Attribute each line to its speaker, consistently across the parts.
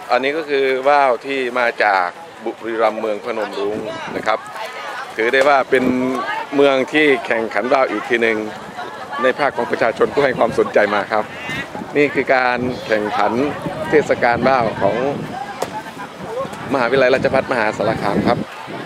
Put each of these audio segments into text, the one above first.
Speaker 1: อันนี้ก็คือว่าวที่มาจากบุรีรัมย์เมืองพนมรุ้งนะครับถือได้ว่าเป็นเมืองที่แข่งขันว่าวอีกทีหนึ่งในภาคของประชาชนผู้ให้ความสนใจมาครับนี่คือการแข่งขันเทศกาลว่าวของมหาวิทยาลัยราชภัฏมหาสารคามครับ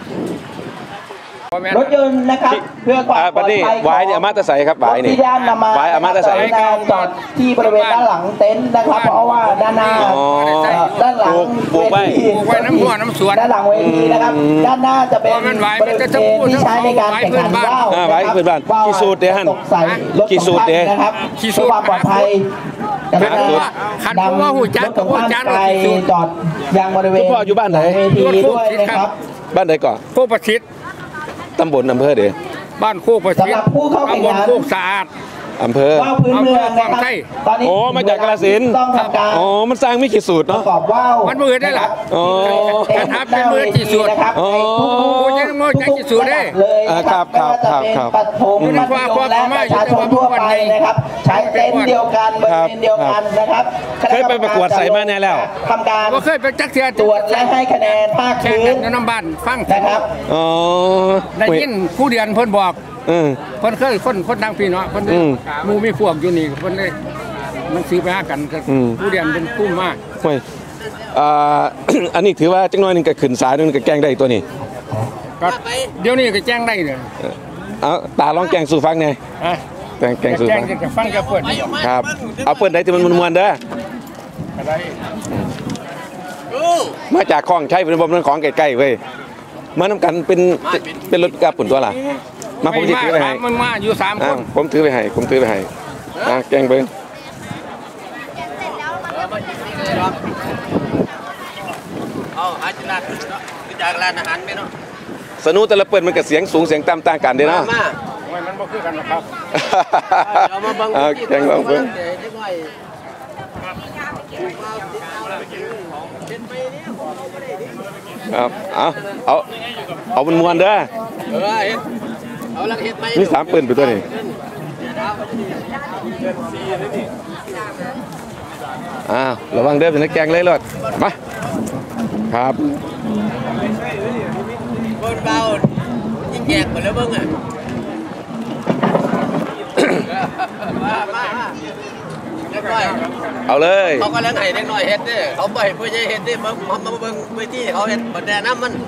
Speaker 2: รถยนต์นะครับเพื่อความปลอดภัย
Speaker 1: วายเนี่ยอามาตะไสครับวายนี่วายอามาตะไส
Speaker 2: จอดที่บริเวณด้านหลังเต็นท์นะครับเพราะว่าด้านหน้าด้านหลังเวทีน้ำหัวน้ำสวนด้านหลังเวทีนะครับด้านหน้าจะเป็นบริเวณที่ใช้ในการแข่งขันว่าว
Speaker 1: วายพื้นบ้านกี่สูตรเดี๋ยวฮั่นกี่สูตรเดี๋ยว
Speaker 2: นะครับเพื่อความปลอดภัยนำรถของท่านไปจอดยังบริเวณ
Speaker 1: พ่ออยู่บ้านไหน
Speaker 2: เวทีด้วยนะครับ
Speaker 1: บ้านไหนก่อน
Speaker 3: โคกประชิด
Speaker 1: ตำบลอำเภอเดี๋ยว
Speaker 3: บ้านโคกประชิดตำบลโคกสะอาด
Speaker 1: อำเภอ
Speaker 2: ว่าวพื้นเมืองนะครับ
Speaker 1: ตอนนี้มาจากกาฬสินธุ์อ๋อมันสร้างไม่กี่สูตรเนาะ
Speaker 2: ประกอบว่าว
Speaker 3: มันมือได้หรอการทับเป็นมือกี่สูตร
Speaker 1: อ๋อ
Speaker 3: ยังมือจะกี่สูตรได้
Speaker 1: ครับ
Speaker 2: ปัดผมมัธยมและประชาชนทั่วไปนะครับใช้เต็นท์เดียวกันบริเวณเดียวกันนะครับ
Speaker 1: เคยไปประกวดใส่มาแน่แล้ว
Speaker 2: ทำการ
Speaker 3: เคยไปจักเทีย
Speaker 2: ตรวจและให้คะแนนภาคพื้น
Speaker 3: น้ำบ้านฟัง
Speaker 2: นะครับ
Speaker 1: อ๋อ
Speaker 3: ได้ยินผู้เรียนเพิ่นบอกเพิ่นเคยคนทางพี่เนาะเพิ่นมูมีพวกอยู่นี่เพิ่นได้มันซื้อไปหากันผู้เรียนเป็นผู้มาก
Speaker 1: เฮ้ยอันนี้ถือว่าจังน้อยนึงก็ขึ้นสายนึงก็แกล้งได้ตัวนี้
Speaker 3: ก็เดี๋ยวนี้ก็แจ้งได้เลย
Speaker 1: เอาตาลองแกล้งสู่ฟังไงแกล้งสู่ฟัง
Speaker 3: จะฟังจะเปิด
Speaker 1: ครับเอาเปิดได้ที่มันมวนๆเด้อมาจากคลองใช้เป็นบ่มันของใกล้ๆเว้ยมาน้ำกันเป็นรถกระปุ่นตัวล่ะมาผมถือไปให้
Speaker 3: มันมาอยู่3คน
Speaker 1: ผมถือไปให้แกงเบิ้ง
Speaker 3: เอาอาจารย์จากร้านอาหารไหมเนาะ
Speaker 1: สนุแต่ละเปิดมันกับเสียงสูงเสียงต่ำต่างกันเด้เนาะ
Speaker 3: มันบ่คือกันนะครับ
Speaker 1: แกงเบิ้งครับเอามันมวนเด้อมี3ปืนไปตัวนี้ระวังเด้อเป็นนักแกงเลยรถมาครับ
Speaker 3: คนเบายิ่งแยกหมดแล้วเบิ้งอ่ะ
Speaker 1: เอาเลย
Speaker 3: เขาก็แล้วไงเล็กน้อยเฮ็ดดิเขาบ่อยเพื่อจะเฮ็ดดิมาเบิ้งไปที่เขาเฮ็ดบันไดน้ำมัน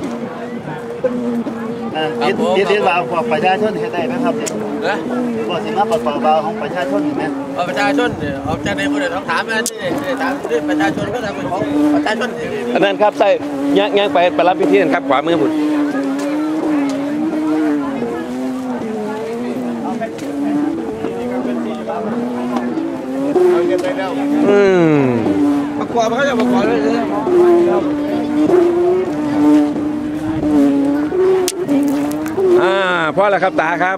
Speaker 4: ที่ว่าพวกประชาชนเฮ็ดได้ไหมครับเนี่ยบอกสิมาประกอบว่าของประชาชนเห็นไหม
Speaker 3: ประชาชนเอาจากในคนอื่นต้องถามกันถามด้วยประชาชนก็ทำเป็นของประชาชน
Speaker 1: อันนั้นครับใส่ย่างไปรับพิธีนั่นครับขวามือบุตร
Speaker 3: ประกอบเขาจะประกอบเลย
Speaker 1: พ่อแล้วครับตาครับ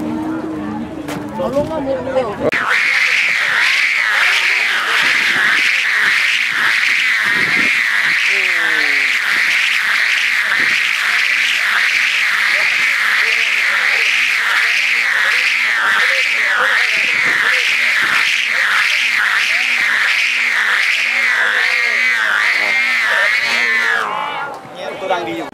Speaker 4: ตัวดังดีอยู่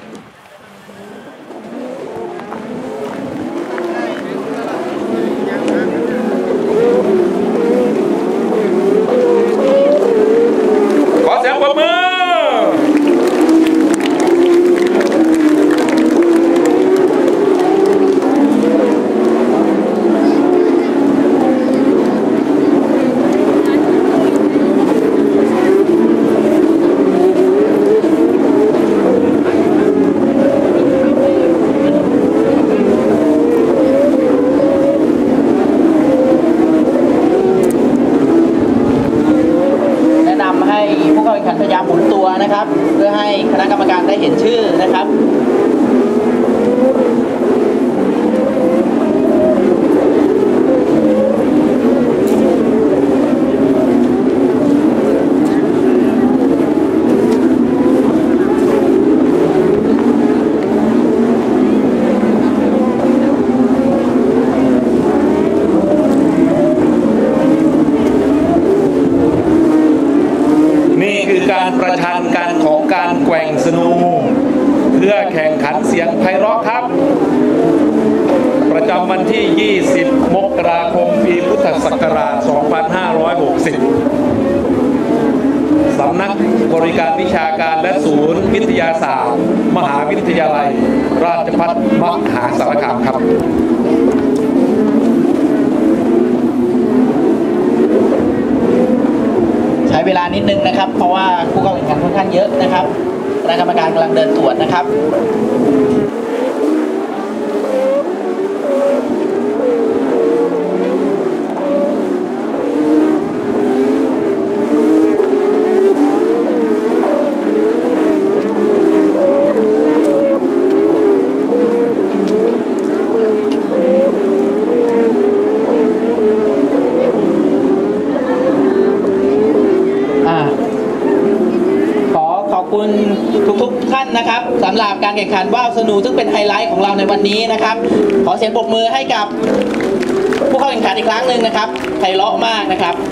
Speaker 2: พยายามหมุนตัวนะครับเพื่อให้คณะกรรมการได้เห็นชื่อนะครับ
Speaker 5: การประชันกันของการแกว่งสนูเพื่อแข่งขันเสียงไพเราะครับ ประจำวันที่ 20 มกราคม ปีพุทธศักราช 2560 สำนักบริการวิชาการและศูนย์วิทยาศาสตร์ มหาวิทยาลัย ราชภัฏมหาสารคามครับ
Speaker 2: ใช้เวลานิดนึงนะครับเพราะว่าผู้เข้าแข่งขันค่อนข้างเยอะนะครับคณะกรรมการกำลังเดินตรวจนะครับขอบคุณทุกท่านนะครับสำหรับการแข่งขันว่าวสนูซึ่งเป็นไฮไลท์ของเราในวันนี้นะครับขอเสียงปรบมือให้กับผู้เข้าแข่งขันอีกครั้งหนึ่งนะครับไพเราะมากนะครับ